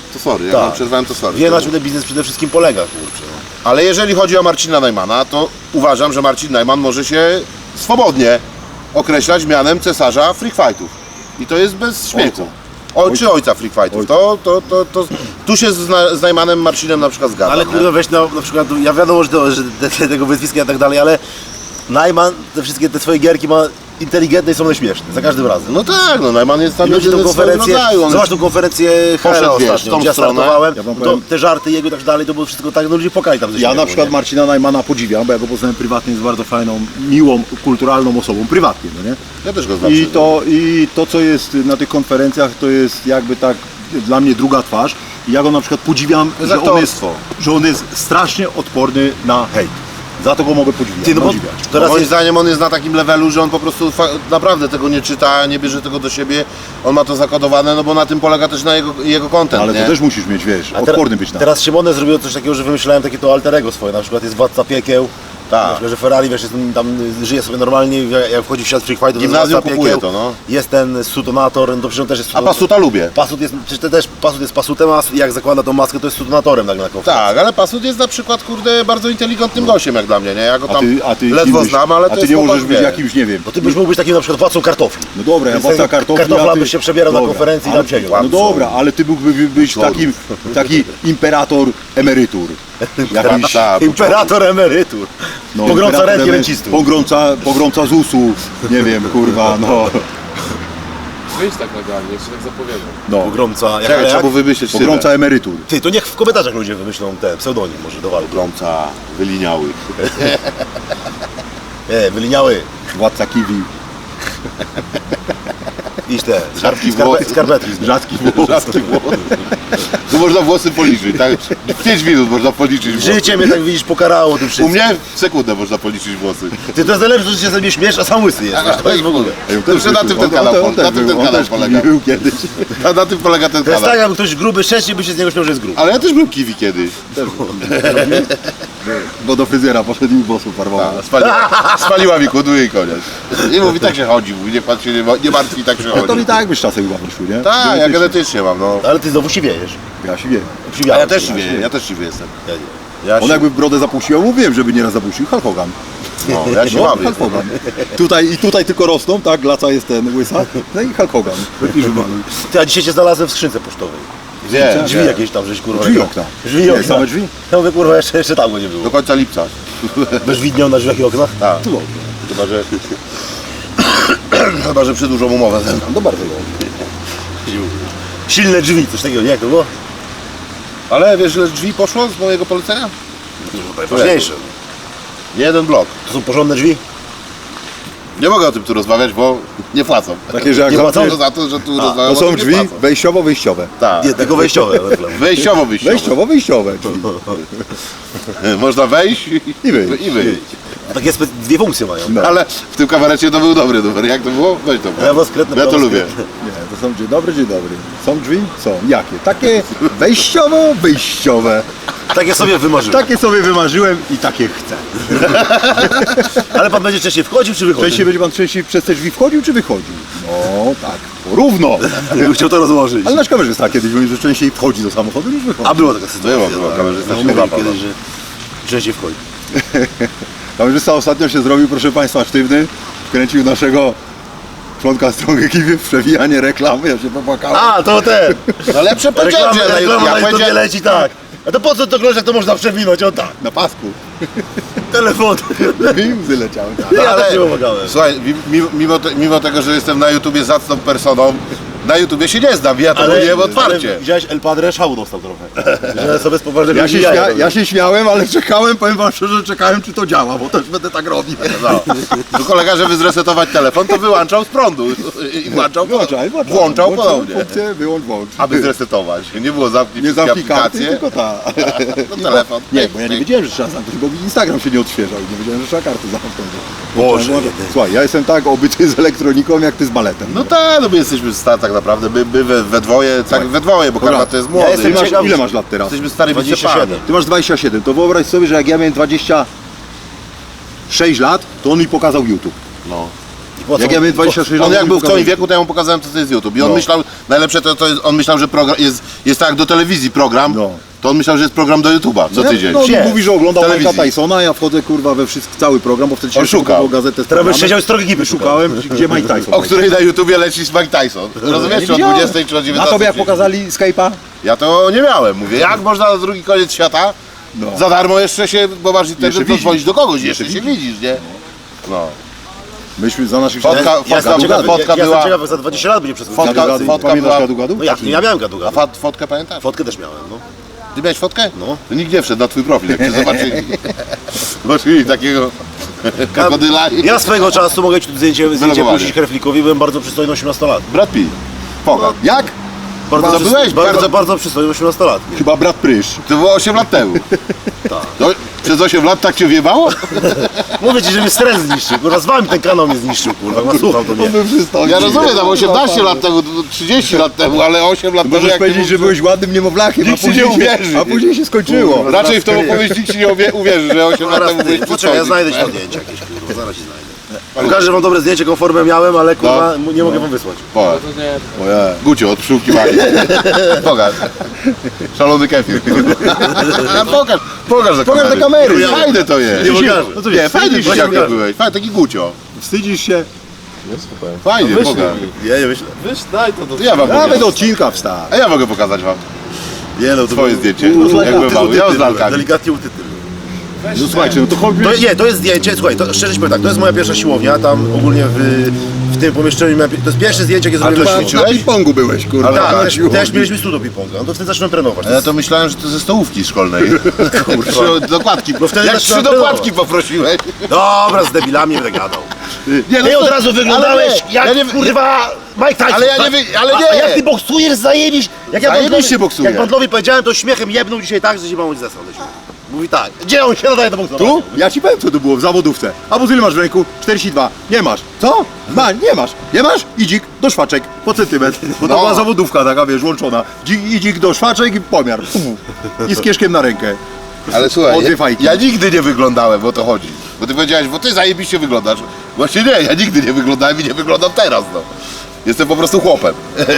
Speaker 3: To sorry, jak
Speaker 1: Tak.
Speaker 3: wam przerwałem, to sorry.
Speaker 1: Wie, na czym ten biznes przede wszystkim polega, kurczę.
Speaker 3: Ale jeżeli chodzi o Marcina Najmana, to uważam, że Marcin Najman może się swobodnie określać mianem cesarza freak fightów. I to jest bez śmiechu. O, czy ojca freak fightów. To, to, to, to, tu się z, Na- z Najmanem Marcinem na przykład zgadzam.
Speaker 1: Ale
Speaker 3: nie?
Speaker 1: kurde, weź na, na przykład, ja wiadomo, że, to, że te, te, tego wyzwiska i tak dalej, ale Najman te wszystkie te swoje gierki ma inteligentne i są one śmieszne, za każdym razem.
Speaker 3: No tak, no Najman jest tam
Speaker 1: I ludzie tą
Speaker 3: jedyny w swoim
Speaker 1: konferencję,
Speaker 3: rodzaju. On
Speaker 1: zobacz tą konferencję
Speaker 3: Poszedł,
Speaker 1: Hera
Speaker 3: wiesz,
Speaker 1: ostatnio,
Speaker 3: w tą
Speaker 1: gdzie ja
Speaker 3: stronę.
Speaker 1: startowałem,
Speaker 2: Ja wam
Speaker 1: to
Speaker 2: powiem-
Speaker 1: te żarty jego i tak dalej, to było wszystko tak, no ludzie płakali tam ze
Speaker 2: Ja
Speaker 1: śmiechu,
Speaker 2: na przykład
Speaker 1: nie?
Speaker 2: Marcina Najmana podziwiam, bo ja go poznałem prywatnie, jest bardzo fajną, miłą, kulturalną osobą, prywatnie, no nie?
Speaker 3: Ja też go znam.
Speaker 2: I to, I to, co jest na tych konferencjach, to jest jakby tak dla mnie druga twarz. I ja go na przykład podziwiam,
Speaker 3: jest
Speaker 2: że on jest,
Speaker 3: aktorstwo.
Speaker 2: że on jest strasznie odporny na hejt. Za to go mogę podziwiać.
Speaker 1: Ty, no bo
Speaker 2: podziwiać.
Speaker 1: teraz
Speaker 3: Moim
Speaker 1: jest,
Speaker 3: zdaniem on jest na takim levelu, że on po prostu fa- naprawdę tego nie czyta, nie bierze tego do siebie, on ma to zakodowane, no bo na tym polega też na jego, jego content,
Speaker 2: Ale
Speaker 3: nie?
Speaker 2: to też musisz mieć, wiesz,
Speaker 1: a
Speaker 2: odporny być na to.
Speaker 1: Teraz Szymone zrobiło coś takiego, że wymyślałem takie to alter ego swoje, na przykład jest Władca Piekieł,
Speaker 3: Tak.
Speaker 1: na przykład, że Ferrari, wiesz, jest, tam y, żyje sobie normalnie, jak jak wchodzi w świat freak fightów, to jest
Speaker 3: Gimnazjum
Speaker 1: Władca
Speaker 3: kupuje
Speaker 1: Piekieł,
Speaker 3: to, no.
Speaker 1: jest ten Sutonator, no to przecież on też jest
Speaker 3: A
Speaker 1: Sutonator.
Speaker 3: Pasuta lubię.
Speaker 1: Pasut jest, przecież to też Pasut jest Pasutem, a jak zakłada tą maskę, to jest Sutonatorem nagle na konferencji.
Speaker 3: Tak, ale Pasut jest na przykład, kurde, bardzo inteligentnym gościem jak dla mnie, nie? Ja go
Speaker 2: A
Speaker 3: tam
Speaker 2: ty, a ty
Speaker 3: ledwo
Speaker 2: kim byś-
Speaker 3: znam, ale
Speaker 2: a
Speaker 3: to
Speaker 2: ty
Speaker 3: jest
Speaker 2: nie możesz
Speaker 3: chłopak,
Speaker 2: być
Speaker 3: wie.
Speaker 2: jakimś, nie wiem.
Speaker 1: Bo ty byś mógł być takim na przykład władcą kartofli.
Speaker 2: No dobra, ja
Speaker 1: Więc
Speaker 2: władca
Speaker 1: tego
Speaker 2: kartofli,
Speaker 1: kartofla
Speaker 2: a ty...
Speaker 1: byś się przebierał na
Speaker 2: Dobra,
Speaker 1: konferencji i
Speaker 2: ale-
Speaker 1: tam siedział.
Speaker 2: No dobra, ale ty mógłbyś być takim, taki imperator emerytur. Jakiś,
Speaker 3: Tak,
Speaker 1: Imperator emerytur.
Speaker 2: no,
Speaker 1: Pogromca
Speaker 2: imperator
Speaker 1: ręki
Speaker 2: emery-
Speaker 1: rencistów.
Speaker 2: Pogromca, pogromca Z U S-u, nie wiem, kurwa, no.
Speaker 4: Wyjdź tak legalnie, jak się tak zapowiadam.
Speaker 2: no.
Speaker 1: Pogromca, jak,
Speaker 3: Czekaj,
Speaker 1: jak?
Speaker 3: trzeba było wymyśleć
Speaker 2: Pogromca emerytur.
Speaker 1: Ty, to niech w komentarzach ludzie wymyślą ten pseudonim może do walki.
Speaker 3: Pogromca wyliniały.
Speaker 1: Nie, wyliniały.
Speaker 2: Władca kiwi.
Speaker 1: Iść te,
Speaker 3: Rzadki
Speaker 1: skarpe,
Speaker 3: włos.
Speaker 1: skarpetki.
Speaker 2: Rzadki włos.
Speaker 3: Rzadki włos. Tu można włosy policzyć, tak? W pięć minut można policzyć włosy.
Speaker 1: Życie mnie tak widzisz pokarało tym
Speaker 3: U
Speaker 1: wszystkim.
Speaker 3: mnie w sekundę można policzyć włosy.
Speaker 1: Ty, to jest najlepsze, że się sobie śmiesz, a sam łysy jesteś. To jest w ogóle.
Speaker 3: Dobrze, na tym ten kanał,
Speaker 2: on, on,
Speaker 3: na
Speaker 2: też
Speaker 3: tym
Speaker 2: był,
Speaker 3: ten
Speaker 2: on
Speaker 3: kanał
Speaker 2: też
Speaker 3: polega.
Speaker 2: był kiedyś.
Speaker 3: Na, na tym polega ten
Speaker 1: To jest
Speaker 3: kanał.
Speaker 1: tak, jakby ktoś gruby szczęście by się z niego śmiał, że jest gruby.
Speaker 3: Ale ja też byłem kiwi kiedyś.
Speaker 2: Bo do fryzjera poszedł i włosów farbował.
Speaker 3: A, Spaliła, spaliła mi kudły i koniec. I mówi, tak się chodzi, mówi, niech pan się nie, ma- nie martwi, tak się
Speaker 2: No to
Speaker 3: chodzi.
Speaker 2: i tak byś czasem chyba wyszły, nie?
Speaker 3: Tak, ja
Speaker 2: Genetycznie.
Speaker 3: genetycznie mam, no.
Speaker 1: Ale ty znowu siwiejesz.
Speaker 2: Ja się wiem.
Speaker 3: A
Speaker 1: Siwiałem
Speaker 3: ja też
Speaker 1: się.
Speaker 3: siwy, ja też siwy jestem.
Speaker 1: Ja nie.
Speaker 3: Ja
Speaker 2: On
Speaker 3: się,
Speaker 2: jakby brodę zapuścił, ja mówiłem, żeby nieraz zapuścił. Hulk Hogan.
Speaker 3: no, ja się
Speaker 2: No,
Speaker 3: mam.
Speaker 2: Hulk Hogan. Tutaj i tutaj tylko rosną, tak? Glaca jest ten łysa. No i Hulk Hogan. Jakiś wymaluj.
Speaker 1: Ty, a dzisiaj cię znalazłem w skrzynce pocztowej.
Speaker 3: Wiem,
Speaker 1: Drzwi
Speaker 3: wiem.
Speaker 1: jakieś tam, żeś kurwa.
Speaker 2: Drzwi
Speaker 1: jak-
Speaker 2: okna.
Speaker 1: Drzwi i
Speaker 2: Nie,
Speaker 1: okna.
Speaker 2: same drzwi?
Speaker 1: Ja mówię, kurwa, jeszcze, jeszcze tam go nie było.
Speaker 3: Do końca lipca.
Speaker 1: Bez widnią na drzwiach i oknach?
Speaker 3: Tak.
Speaker 2: Tu dobrze.
Speaker 3: Chyba, że... Chyba, że przedłużą umowę ze mną.
Speaker 2: No bardzo dobrze.
Speaker 1: Silne drzwi, coś takiego, nie jak to było?
Speaker 3: Ale wiesz, ile drzwi poszło z mojego polecenia?
Speaker 1: Najważniejsze.
Speaker 3: Nie jeden blok.
Speaker 1: To są porządne drzwi?
Speaker 3: Nie mogę o tym tu rozmawiać, bo nie płacą.
Speaker 2: Takie, że jak
Speaker 1: Nie
Speaker 2: zamkniesz,
Speaker 3: To za to, że tu
Speaker 2: to
Speaker 3: rozmawiam,
Speaker 2: są
Speaker 3: nie
Speaker 2: drzwi
Speaker 3: płacą.
Speaker 2: wejściowo-wyjściowe.
Speaker 3: Tak.
Speaker 1: Nie, tylko wejściowe.
Speaker 3: Wejściowo, wyjściowo.
Speaker 2: Wejściowo-wyjściowe. Czyli
Speaker 3: Można wejść i,
Speaker 2: I wyjść.
Speaker 3: I wyjść.
Speaker 1: Takie spe- dwie funkcje mają.
Speaker 2: No.
Speaker 3: Ale w tym kabarecie to był dobry numer. Jak to było? Weź to.
Speaker 1: Prawo skretne,
Speaker 3: Ja to
Speaker 1: prawo
Speaker 3: lubię.
Speaker 1: skretne.
Speaker 2: Nie, to są dzień dobry, dzień dobry. Są drzwi? Są. Jakie? Takie wejściowo-wyjściowe.
Speaker 1: Takie sobie wymarzyłem.
Speaker 2: Takie sobie wymarzyłem i takie chcę.
Speaker 1: Ale pan będzie częściej wchodził czy wychodził?
Speaker 2: Częściej będzie pan częściej przez te drzwi wchodził czy wychodził? No tak, równo.
Speaker 1: Jakby chciał to rozłożyć.
Speaker 2: Ale nasz kamerzysta kiedyś mówił, że częściej wchodzi do samochodu niż wychodzi.
Speaker 1: A była taka sytuacja.
Speaker 3: Była, była,
Speaker 1: tak.
Speaker 3: kamerzysta
Speaker 1: No,
Speaker 3: się
Speaker 1: mówili
Speaker 3: złapał,
Speaker 1: kiedyś,
Speaker 3: no.
Speaker 1: że częściej wchodzi.
Speaker 2: Kamerzysta ostatnio się zrobił, proszę państwa, sztywny. Wkręcił naszego członka strony ekipy w przewijanie reklamy. Ja się popłakałem.
Speaker 1: A, to ten!
Speaker 3: No lepsze powiedziałem,
Speaker 1: Reklama,
Speaker 3: że ja,
Speaker 1: reklama
Speaker 3: ja
Speaker 1: na YouTube
Speaker 3: powiedziałem,
Speaker 1: leci tak. A to po co to oglądać, jak to można przewinąć? O tak.
Speaker 2: Na pasku.
Speaker 1: Telefon.
Speaker 2: I łzy leciały.
Speaker 1: Ja
Speaker 3: ale-
Speaker 1: też nie pomagałem.
Speaker 3: Słuchaj, mi- mimo, mimo, te, mimo tego, że jestem na YouTubie zacną personą, na YouTubie się nie znam, ja to mówiłem otwarcie.
Speaker 1: ale widziałeś, El Padre szału dostał trochę. Że sobie z poważnego
Speaker 2: Ja się,
Speaker 1: jaja
Speaker 2: śmia-
Speaker 1: robił.
Speaker 2: ja się śmiałem, ale czekałem, powiem wam szczerze, czekałem czy to działa, bo też będę tak robił.
Speaker 3: No. Tu kolega, żeby zresetować telefon, to wyłączał z prądu i włączał,
Speaker 2: Włączaj, włączaj.
Speaker 3: włączał
Speaker 2: Włączaj
Speaker 3: ponownie,
Speaker 2: funkcję, wyłącz, włącz.
Speaker 3: aby zresetować. Nie było zamknij
Speaker 2: Nie
Speaker 3: wszystkie
Speaker 2: zamknij karty,
Speaker 3: aplikacje,
Speaker 2: tylko ta.
Speaker 3: no telefon.
Speaker 2: Nie, bo ja nie wiedziałem, że trzeba zamknąć, bo mi Instagram się nie odświeżał i nie wiedziałem, że trzeba karty zamknąć.
Speaker 1: Boże,
Speaker 2: Włączałem- Słuchaj, ja jestem tak obyty z elektroniką, jak ty z baletem.
Speaker 3: No tak, no my jesteśmy stary tak naprawdę, my, my we, we dwoje, tak we dwoje, bo
Speaker 2: Dobra.
Speaker 3: Karma to jest
Speaker 1: Ja
Speaker 3: młody.
Speaker 1: jestem
Speaker 2: Ty masz,
Speaker 1: ciekaw-
Speaker 2: ile masz lat teraz?
Speaker 3: Jesteśmy starymi
Speaker 1: dwadzieścia
Speaker 3: cepami.
Speaker 1: siedem.
Speaker 2: Ty masz dwadzieścia siedem, to wyobraź sobie, że jak ja miałem dwadzieścia sześć lat, to on mi pokazał YouTube.
Speaker 3: No.
Speaker 1: po co-
Speaker 2: Jak ja miałem dwadzieścia sześć lat,
Speaker 3: On jak był w
Speaker 2: pokazał
Speaker 3: twoim wieku, to ja mu pokazałem, co to jest YouTube. I on
Speaker 2: No.
Speaker 3: myślał, najlepsze to, to jest, on myślał, że program jest, jest tak jak do telewizji program,
Speaker 2: No.
Speaker 3: to on myślał, że jest program do YouTube'a co tydzień.
Speaker 2: No,
Speaker 1: Jest.
Speaker 2: mówi, że oglądał
Speaker 3: Telewizji.
Speaker 2: Mike'a Tysona, ja wchodzę kurwa we wszystko, cały program, bo wtedy się
Speaker 3: On szukał.
Speaker 2: kupował gazetę z
Speaker 1: Teraz byś
Speaker 2: programem.
Speaker 1: siedział i strogi gipy
Speaker 2: Szukałem, gdzie Mike Tyson.
Speaker 3: O której na YouTubie leci Mike Tyson. Rozumiesz, czy o
Speaker 2: widziałem.
Speaker 3: dwudziestej, czy o
Speaker 2: A
Speaker 3: dziewiętnastej?
Speaker 2: tobie jak pokazali Skype'a?
Speaker 3: Ja to nie miałem, mówię, jak można na drugi koniec świata
Speaker 2: No.
Speaker 3: za darmo jeszcze się, bo masz internet,
Speaker 2: Jeszcze
Speaker 3: to
Speaker 2: widzisz.
Speaker 3: dzwonić do kogoś,
Speaker 2: Jeszcze
Speaker 3: jeszcze, się widzisz, nie? No.
Speaker 2: Myśmy za naszych
Speaker 3: Fotka-
Speaker 2: czasów-
Speaker 3: fotka-
Speaker 1: Ja jestem ciekaw,
Speaker 3: fotka
Speaker 1: ja, ja
Speaker 3: była-
Speaker 1: jestem ciekaw, za dwadzieścia lat będzie przez
Speaker 3: Fotka-
Speaker 2: Gadu, gadu.
Speaker 3: fotka
Speaker 2: Pamiętasz
Speaker 3: była-
Speaker 2: gadu, gadu?
Speaker 1: No jak, nie ja miałem gadu
Speaker 3: A
Speaker 1: gadu.
Speaker 3: fot, fotkę pamiętasz?
Speaker 1: Fotkę też miałem, no.
Speaker 3: Ty miałeś fotkę?
Speaker 1: No.
Speaker 3: To nikt nie wszedł na twój profil, jak cię zobaczyli. Zobaczyli takiego krokodyla i...
Speaker 1: Ja swojego czasu mogę ci tu zdjęcie, zdjęcie
Speaker 3: Wylogowanie.
Speaker 1: puścić Herflikowi, byłem bardzo przystojny osiemnastolatkiem.
Speaker 3: Brad Pitt. Poga.
Speaker 2: Jak?
Speaker 1: Bardzo,
Speaker 3: Chyba
Speaker 1: przys-
Speaker 3: byłeś
Speaker 1: bardzo,
Speaker 3: bardzo-
Speaker 1: bardzo przystojny osiemnastolatkiem.
Speaker 2: Chyba brat Prysz.
Speaker 3: To było osiem lat temu. To przez osiem lat tak cię wjebało?
Speaker 1: Mówię ci, że mnie stres zniszczył, kurwa, z wami ten kanał mnie zniszczył, kurwa, chyba słuchał to mnie.
Speaker 3: Ja rozumiem, tam osiemnaście lat temu, trzydzieści lat temu, ale osiem lat temu
Speaker 2: Możesz
Speaker 3: jak
Speaker 2: powiedzieć,
Speaker 3: nie
Speaker 2: że byłeś ładnym niemowlakiem,
Speaker 3: Nikt
Speaker 2: a
Speaker 3: ci nie
Speaker 2: później się,
Speaker 3: uwierzy.
Speaker 2: a później się skończyło.
Speaker 3: Raczej w tą opowieść nikt ci nie uwie- uwierzy, że osiem lat
Speaker 1: Zaraz
Speaker 3: temu
Speaker 1: ty,
Speaker 3: byłeś
Speaker 1: poczekaj,
Speaker 3: przystojny.
Speaker 1: ja znajdę ci to zdjęcie jakieś, kurwa, zaraz ci znajdę. Pokażę wam dobre zdjęcie, jaką formę miałem, ale kurwa,
Speaker 3: No.
Speaker 1: nie mogę wam wysłać.
Speaker 3: Pokaż.
Speaker 4: To nie,
Speaker 3: Ojej. Gucio, od pszczółkiwania. Pokaż. Szalony kefir. Pokaż, pokaż do
Speaker 2: Pokaż
Speaker 3: kamery.
Speaker 2: do kamery.
Speaker 3: Fajne to jest.
Speaker 1: Nie pokażę.
Speaker 3: No to nie, fajny
Speaker 1: Właśnie
Speaker 3: jak
Speaker 1: pokażę.
Speaker 3: byłeś. Fajny, taki Gucio.
Speaker 2: Wstydzisz się?
Speaker 4: nie słuchaj.
Speaker 3: Fajnie,
Speaker 1: Wyślij
Speaker 3: pokaż.
Speaker 1: mi. Ja nie myślę.
Speaker 4: Wiesz, daj to do...
Speaker 3: To ja wam
Speaker 2: Nawet
Speaker 3: pokażę.
Speaker 2: do odcinka wstać.
Speaker 3: A ja mogę pokazać wam
Speaker 1: Nie no, to
Speaker 3: swoje zdjęcie.
Speaker 2: No,
Speaker 3: Jak byłem mały. Ja z lalkami.
Speaker 1: Delikatnie utytyl.
Speaker 2: No słuchajcie, no to chodźmy.
Speaker 1: To, nie, to jest zdjęcie, słuchaj, to, szczerze ci powiem tak, to jest moja pierwsza siłownia, tam ogólnie w, w tym pomieszczeniu, miałem, to jest pierwsze zdjęcie, jakie
Speaker 3: A ty
Speaker 1: zrobiłem.
Speaker 3: ćwiczyłeś?
Speaker 2: Na ping-pongu byłeś, kurwa.
Speaker 1: Tak,
Speaker 2: na
Speaker 1: też,
Speaker 2: siłowni.
Speaker 1: też mieliśmy studio ping-ponga, no to wtedy zacząłem trenować.
Speaker 3: A ja to myślałem, że to ze stołówki szkolnej. Trzy dokładki.
Speaker 1: No wtedy
Speaker 3: Jak
Speaker 1: zaczynam
Speaker 3: trzy dokładki poprosiłeś.
Speaker 1: Dobra, z debilami będę gadał.
Speaker 3: Nie,
Speaker 1: Ty
Speaker 3: no
Speaker 1: od
Speaker 3: to-
Speaker 1: razu
Speaker 3: ale
Speaker 1: wyglądałeś
Speaker 3: nie,
Speaker 1: jak,
Speaker 3: ja nie-
Speaker 1: kurwa, Mike Tyson.
Speaker 3: Ale ja nie
Speaker 1: tak?
Speaker 3: wy- ale
Speaker 1: A-
Speaker 3: nie.
Speaker 1: A jak ty boksujesz, zajebisz. Jak ja
Speaker 3: Zajebiście
Speaker 1: Bądlowi-
Speaker 3: boksuję.
Speaker 1: Jak Bądlowi powiedziałem, to śmiechem jebnął dzisiaj tak, że się mamuś zesrał do śmiechu. Mówi tak, gdzie on się nadaje do boksora?
Speaker 2: Tu? Ja ci powiem, co to było w zawodówce. A ile masz w ręku? czterdzieści dwa. Nie masz. Co? Ma, nie masz. Nie masz? Idzik do szwaczek po centymetr. Bo to
Speaker 3: No.
Speaker 2: była zawodówka taka, wiesz, łączona. Dzi- Idzik do szwaczek i pomiar. I z kieszkiem na rękę.
Speaker 3: Ale
Speaker 2: O
Speaker 3: słuchaj,
Speaker 2: dwie
Speaker 3: ja,
Speaker 2: fajki.
Speaker 3: ja nigdy nie wyglądałem, o to chodzi. Bo ty powiedziałeś, bo ty zajebiście wyglądasz. Właśnie nie, ja nigdy nie wyglądałem i nie wyglądam teraz, no. Jestem po prostu chłopem.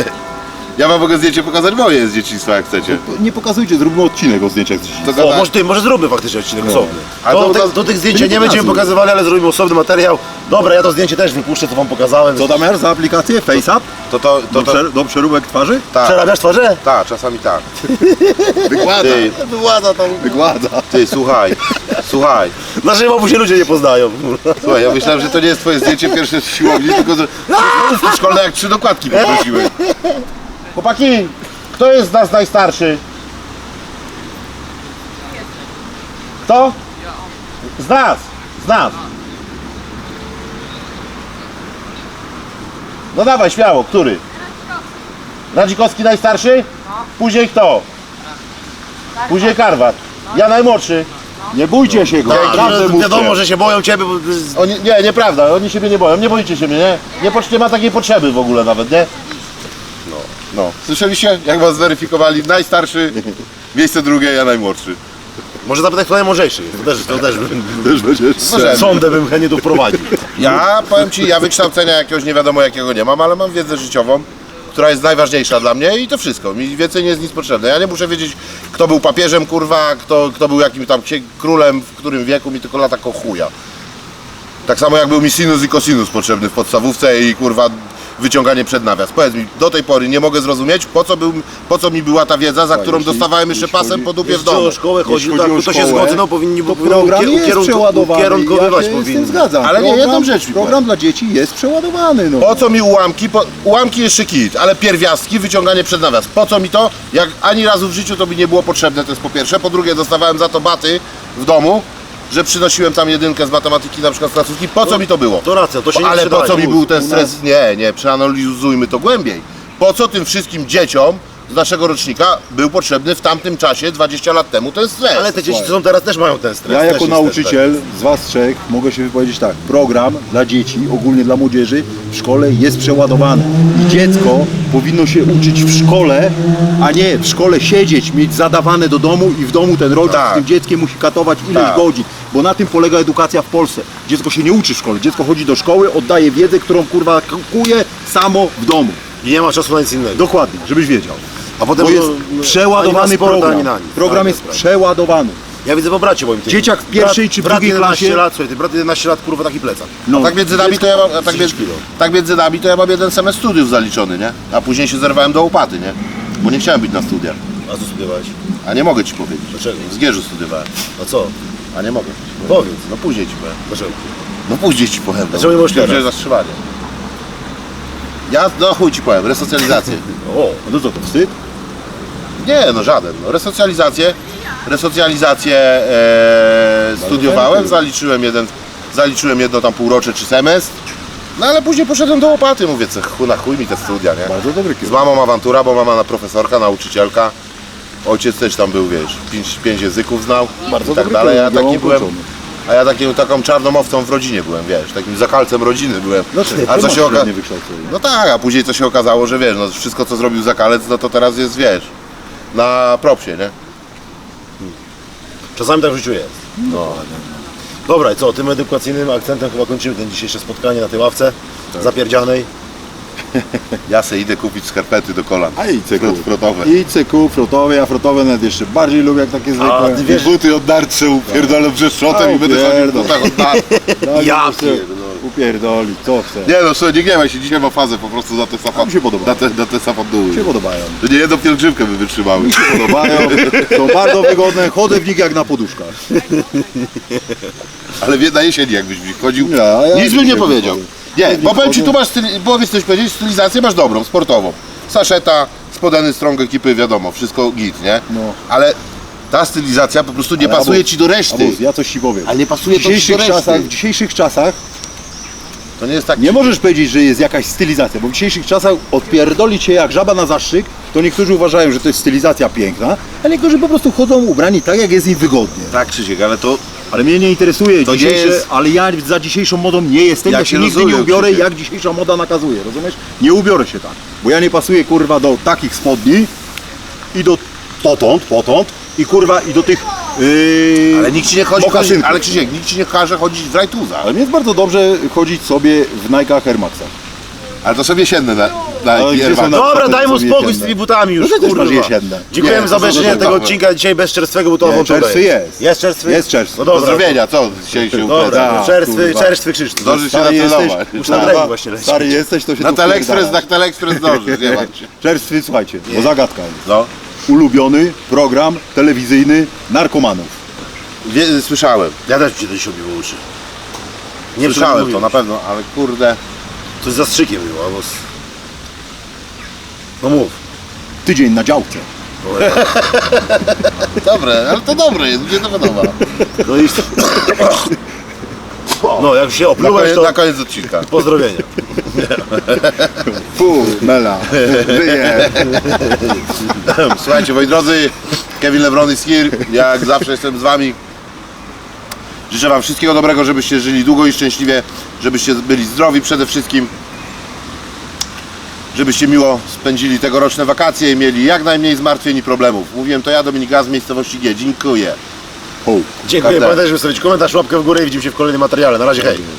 Speaker 3: Ja wam mogę zdjęcie pokazać moje z dzieciństwa, jak chcecie.
Speaker 2: Nie pokazujcie, zróbmy odcinek o zdjęciach z dzieciństwa.
Speaker 3: To
Speaker 1: O,
Speaker 3: gada-
Speaker 1: może, ty, może zróbmy faktycznie odcinek osobny.
Speaker 3: A
Speaker 1: To,
Speaker 3: to u
Speaker 1: te,
Speaker 3: nas-
Speaker 1: do tych zdjęć
Speaker 2: to
Speaker 1: nie
Speaker 2: nie
Speaker 1: będziemy
Speaker 2: pokazuj.
Speaker 1: pokazywali, ale zrobimy osobny materiał. Dobra, ja to zdjęcie też wypuszczę, co wam pokazałem.
Speaker 2: Co tam masz za aplikację? FaceApp?
Speaker 3: To to, to,
Speaker 2: Do,
Speaker 3: to,
Speaker 2: przer- do przeróbek twarzy?
Speaker 3: tak,
Speaker 1: Przerabiasz twarze?
Speaker 3: tak, czasami tak.
Speaker 2: Wykłada.
Speaker 3: Ty,
Speaker 1: Władza tam.
Speaker 2: Wykłada.
Speaker 3: ty, słuchaj, słuchaj.
Speaker 1: Naszej babu się ludzie nie poznają.
Speaker 3: Słuchaj, ja myślałem, że to nie jest twoje zdjęcie pierwsze z siłowni, tylko że stołówki szkolne jak trzy dokładki poprosiłem. Chłopaki, kto jest z nas najstarszy? Kto? Z nas, z nas. No dawaj, śmiało, który? Radzikowski najstarszy? Później kto? Później Karwat. Ja najmłodszy.
Speaker 2: Nie bójcie się go.
Speaker 1: Tak,
Speaker 2: Prawdę
Speaker 1: że
Speaker 2: mówcie.
Speaker 1: wiadomo, że się boją ciebie, bo to jest-
Speaker 3: Oni, nie, nieprawda, oni siebie nie boją, nie boicie się mnie, nie? Nie, potrz- nie ma takiej potrzeby w ogóle nawet, nie? No, no. Słyszeliście, jak was zweryfikowali? Najstarszy, miejsce drugie, ja najmłodszy.
Speaker 1: może zapytać, kto najmądrzejszy jest. To też, to też bym,
Speaker 2: Też będziesz
Speaker 3: Możemy.
Speaker 1: sądę bym chętnie tu wprowadził.
Speaker 3: Ja, powiem ci, ja wykształcenia jakiegoś nie wiadomo jakiego nie mam, ale mam wiedzę życiową, która jest najważniejsza dla mnie i to wszystko. Mi więcej nie jest nic potrzebne. Ja nie muszę wiedzieć, kto był papieżem, kurwa, kto, kto był jakimś tam księ- królem, w którym wieku, mi tylko lata ko chuja. Tak samo jak był mi sinus i cosinus potrzebny w podstawówce i kurwa wyciąganie przed nawias. Powiedz mi, do tej pory nie mogę zrozumieć, po co, był, po co mi była ta wiedza, za którą
Speaker 2: jeśli-
Speaker 3: dostawałem jeszcze
Speaker 2: jeśli
Speaker 3: pasem
Speaker 2: chodzi-
Speaker 3: po dupie w
Speaker 1: Jeśli
Speaker 3: domu.
Speaker 1: o szkołę chodzi,
Speaker 2: Jeśli
Speaker 1: tak,
Speaker 2: chodzi o
Speaker 1: to się
Speaker 2: szkołę,
Speaker 1: zgodzę, no powinni
Speaker 2: To
Speaker 1: powinni
Speaker 2: program
Speaker 1: ukier-
Speaker 2: jest
Speaker 1: ukierunku-
Speaker 2: przeładowany.
Speaker 1: ukierunkowywać
Speaker 2: Ja się z
Speaker 1: powinni.
Speaker 2: tym zgadzam.
Speaker 3: Ale nie,
Speaker 2: Program-
Speaker 3: jedną rzecz mi
Speaker 2: Program dla dzieci jest przeładowany. No.
Speaker 3: Po co mi ułamki? Po, ułamki jeszcze kit, ale pierwiastki, wyciąganie przed nawias. Po co mi to? Jak ani razu w życiu to mi nie było potrzebne, to jest po pierwsze. Po drugie, dostawałem za to baty w domu, że przynosiłem tam jedynkę z matematyki, na przykład z placówki. Po co mi to było?
Speaker 1: To racja, to się nie
Speaker 3: Ale po
Speaker 1: przydaje.
Speaker 3: co mi
Speaker 1: Mów.
Speaker 3: był ten stres? Nie, nie, przeanalizujmy to głębiej. Po co tym wszystkim dzieciom z naszego rocznika był potrzebny w tamtym czasie, dwadzieścia lat temu, ten stres.
Speaker 1: Ale te dzieci, co są teraz, też mają ten stres.
Speaker 2: Ja
Speaker 1: też
Speaker 2: jako
Speaker 1: jest
Speaker 2: nauczyciel z Was trzech mogę się wypowiedzieć tak. Program dla dzieci, ogólnie dla młodzieży w szkole jest przeładowany. I dziecko powinno się uczyć w szkole, a nie w szkole siedzieć, mieć zadawane do domu i w domu ten rodzic
Speaker 3: Tak.
Speaker 2: z tym dzieckiem musi katować ileś
Speaker 3: Tak.
Speaker 2: godzin. Bo na tym polega edukacja w Polsce. Dziecko się nie uczy w szkole. Dziecko chodzi do szkoły, oddaje wiedzę, którą kurwa kuje samo w domu.
Speaker 1: I nie ma czasu na nic innego.
Speaker 2: Dokładnie, żebyś wiedział.
Speaker 1: A potem
Speaker 2: Bo jest
Speaker 1: no, no,
Speaker 2: przeładowany
Speaker 1: ani na sport,
Speaker 2: program.
Speaker 1: ani na nic.
Speaker 2: Program
Speaker 1: Tak,
Speaker 2: jest
Speaker 1: tak.
Speaker 2: przeładowany.
Speaker 1: Ja widzę po bracie moim tym.
Speaker 2: Dzieciak w pierwszej
Speaker 1: brat,
Speaker 2: czy w
Speaker 1: brat
Speaker 2: drugiej
Speaker 1: jedenaście
Speaker 2: klasie-
Speaker 1: lat, słuchaj, ty brat jedenaście lat, kurwa, taki plecak.
Speaker 2: No,
Speaker 3: Tak między nami to ja mam, a tak, między, tak między nami to ja mam jeden semestr studiów zaliczony, nie? A później się zerwałem do łopaty, nie? Bo nie chciałem być na studiach.
Speaker 1: A co studiowałeś?
Speaker 3: A nie mogę ci powiedzieć.
Speaker 1: Dlaczego?
Speaker 3: W Zgierzu studiowałem.
Speaker 1: A co?
Speaker 3: A nie mogę.
Speaker 1: Powiedz.
Speaker 3: No później ci powiem.
Speaker 1: Dlaczego?
Speaker 3: No później ci powiem. No.
Speaker 1: Dlaczego nie możesz teraz?
Speaker 3: Wziąłeś zastrzelanie. Ja, no chuj ci powiem, resocjalizację.
Speaker 1: O,
Speaker 2: No to co, to wstyd?
Speaker 3: Nie, no żaden. No, resocjalizację, resocjalizację e, studiowałem, zaliczyłem jeden, zaliczyłem jedno tam półrocze czy semestr. No ale później poszedłem do łopaty, mówię, co chuj, na chuj mi te studia, nie?
Speaker 2: Bardzo dobry
Speaker 3: Z
Speaker 2: kierunek.
Speaker 3: mamą awantura, bo mama na profesorka, nauczycielka. Ojciec też tam był, wiesz, pięć, pięć języków znał
Speaker 2: Bardzo
Speaker 3: i tak
Speaker 2: dobry
Speaker 3: dalej. Ja
Speaker 2: kierunek,
Speaker 3: taki
Speaker 2: ja
Speaker 3: byłem,
Speaker 2: ukończony.
Speaker 3: a ja takim, taką czarną owcą w rodzinie byłem, wiesz, takim zakalcem rodziny byłem.
Speaker 2: Dlaczego?
Speaker 3: A
Speaker 2: Ty
Speaker 3: co
Speaker 2: masz
Speaker 3: się okazało?
Speaker 2: średnie wykształcenie.
Speaker 3: No tak, a później co się okazało, że wiesz, no wszystko co zrobił zakalec, no to teraz jest, wiesz, na propsie, nie?
Speaker 1: czasami tak w życiu jest.
Speaker 3: No.
Speaker 1: Dobra, i co, tym edukacyjnym akcentem chyba kończymy ten dzisiejsze spotkanie na tej ławce
Speaker 3: Tak.
Speaker 1: zapierdzianej.
Speaker 3: Ja se idę kupić skarpety do kolan.
Speaker 2: A i cyku.
Speaker 3: Frotowe.
Speaker 2: I cyku, frotowe, ja frotowe nawet jeszcze bardziej lubię jak takie zwykłe.
Speaker 1: A ty wiesz,
Speaker 3: Buty od darcy upierdolę brzeszotem
Speaker 2: A,
Speaker 3: i będę chodził w
Speaker 2: upierdol.
Speaker 3: butach od darcy.
Speaker 2: Tak,
Speaker 1: Ja
Speaker 2: po prostu upierdoli, co chce.
Speaker 3: Nie no, słuchaj, nie gniewaj się, dzisiaj ma fazę po prostu za te
Speaker 2: A
Speaker 3: safa,
Speaker 2: mi się podoba.
Speaker 3: na te, na te safanduły.
Speaker 2: Mi się podobają.
Speaker 3: To nie jedną pielgrzymkę by wytrzymały.
Speaker 2: Mi się podobają, są bardzo wygodne, chodzę w nich jak na poduszkach.
Speaker 3: Ale wie- na jesieni jakbyś w nich chodził,
Speaker 2: Nie, a ja
Speaker 3: nic bym nie
Speaker 2: dzisiaj
Speaker 3: powiedział.
Speaker 2: chodzę.
Speaker 3: Nie,
Speaker 2: w
Speaker 3: bo
Speaker 2: nich
Speaker 3: powiem ci,
Speaker 2: chodzę.
Speaker 3: tu masz, styli, powiedz coś powiedzieć, stylizację masz dobrą, sportową. Saszeta, spodany strong ekipy, wiadomo, wszystko git, nie?
Speaker 2: No.
Speaker 3: Ale ta stylizacja po prostu nie
Speaker 2: Ale
Speaker 3: pasuje
Speaker 2: Abus,
Speaker 3: ci do reszty.
Speaker 2: Abus, ja coś ci powiem.
Speaker 3: Ale nie pasuje
Speaker 2: w
Speaker 3: to ci do
Speaker 2: dzisiejszych
Speaker 3: reszty.
Speaker 2: czasach, w dzisiejszych czasach
Speaker 3: To nie jest tak...
Speaker 2: nie możesz powiedzieć, że jest jakaś stylizacja, bo w dzisiejszych czasach odpierdoli cię jak żaba na zastrzyk, to niektórzy uważają, że to jest stylizacja piękna, a niektórzy po prostu chodzą ubrani tak, jak jest im wygodnie.
Speaker 3: Tak, Krzysiek, ale to...
Speaker 2: Ale mnie nie interesuje
Speaker 3: To nie
Speaker 2: dzisiejsze,
Speaker 3: jest-
Speaker 2: ale ja za dzisiejszą modą nie jestem,
Speaker 3: Ja
Speaker 2: ja
Speaker 3: cię
Speaker 2: się nigdy
Speaker 3: rozumiem,
Speaker 2: nie ubiorę,
Speaker 3: Krzysiek.
Speaker 2: jak dzisiejsza moda nakazuje, rozumiesz? Nie ubiorę się tak, bo ja nie pasuję kurwa do takich spodni i do potąd, potąd i kurwa i do tych yy,
Speaker 3: Ale nikt ci nie chodzi, chodzi
Speaker 2: mokasynków.
Speaker 3: ale Krzysiek, nikt ci nie każe chodzić w rajtuzach.
Speaker 2: Ale mi jest bardzo dobrze chodzić sobie w Nike'ach Air Maxach.
Speaker 3: Ale to są jesienne na, na
Speaker 2: Ale gdzie
Speaker 3: Air
Speaker 2: są
Speaker 3: Max.
Speaker 2: na-
Speaker 1: Dobra,
Speaker 2: to
Speaker 1: daj mu
Speaker 2: są
Speaker 1: spokój z
Speaker 2: jesienne.
Speaker 1: tymi butami już,
Speaker 2: No ty też
Speaker 1: kurwa.
Speaker 2: masz jesienne.
Speaker 1: Dziękujemy
Speaker 3: Nie,
Speaker 1: za
Speaker 3: to są
Speaker 1: obejrzenie
Speaker 3: dobre
Speaker 1: tego
Speaker 3: dobre.
Speaker 1: odcinka dzisiaj bez czerstwego, bo to
Speaker 2: Nie,
Speaker 1: włączone
Speaker 2: czerstwy jest.
Speaker 1: Jest czerstwy?
Speaker 2: Jest czerstwy.
Speaker 1: No dobra.
Speaker 3: Pozdrowienia, co dzisiaj się
Speaker 1: Dobra,
Speaker 3: upędza?
Speaker 2: Tak,
Speaker 1: czerstwy,
Speaker 2: kurwa.
Speaker 1: czerstwy Krzysztof.
Speaker 3: Zdążysz się
Speaker 2: Stary jesteś,
Speaker 3: nacelować.
Speaker 1: Już na
Speaker 2: kurwa,
Speaker 1: trening właśnie leci.
Speaker 2: stary jesteś, to się
Speaker 3: Na
Speaker 2: tu
Speaker 3: Telexpress, na
Speaker 2: wpierdalasz.
Speaker 3: Telexpress zdążysz, nie martw się.
Speaker 2: Czerstwy, słuchajcie, bo zagadka jest.
Speaker 3: No.
Speaker 2: Ulubiony program telewizyjny narkomanów.
Speaker 3: Wie, słyszałem,
Speaker 1: Ja też mi się to dzisiaj obiło uszy. Nie
Speaker 3: słyszałem to
Speaker 1: mówiłeś.
Speaker 3: na pewno, ale kurde...
Speaker 1: Coś z zastrzykiem było, albo z... No mów.
Speaker 2: Tydzień na działce.
Speaker 3: Dobre, ale to dobre jest, mnie to podoba.
Speaker 1: No i... No, jak się
Speaker 3: Na
Speaker 1: oplułeś,
Speaker 3: koniec,
Speaker 1: to
Speaker 3: na koniec odcinka.
Speaker 1: pozdrowienia.
Speaker 2: Fu, mela, żyje.
Speaker 3: Słuchajcie, moi drodzy, Kevin Lebron is here, jak zawsze jestem z wami. Życzę wam wszystkiego dobrego, żebyście żyli długo i szczęśliwie, żebyście byli zdrowi przede wszystkim. Żebyście miło spędzili tegoroczne wakacje i mieli jak najmniej zmartwień i problemów. Mówiłem to ja, Dominik Gaz z miejscowości G. Dziękuję.
Speaker 2: Ho.
Speaker 1: Dziękuję,
Speaker 3: Prawda.
Speaker 1: pamiętajcie, żeby zostawić komentarz, łapkę w górę i widzimy się w kolejnym materiale. Na razie, hej.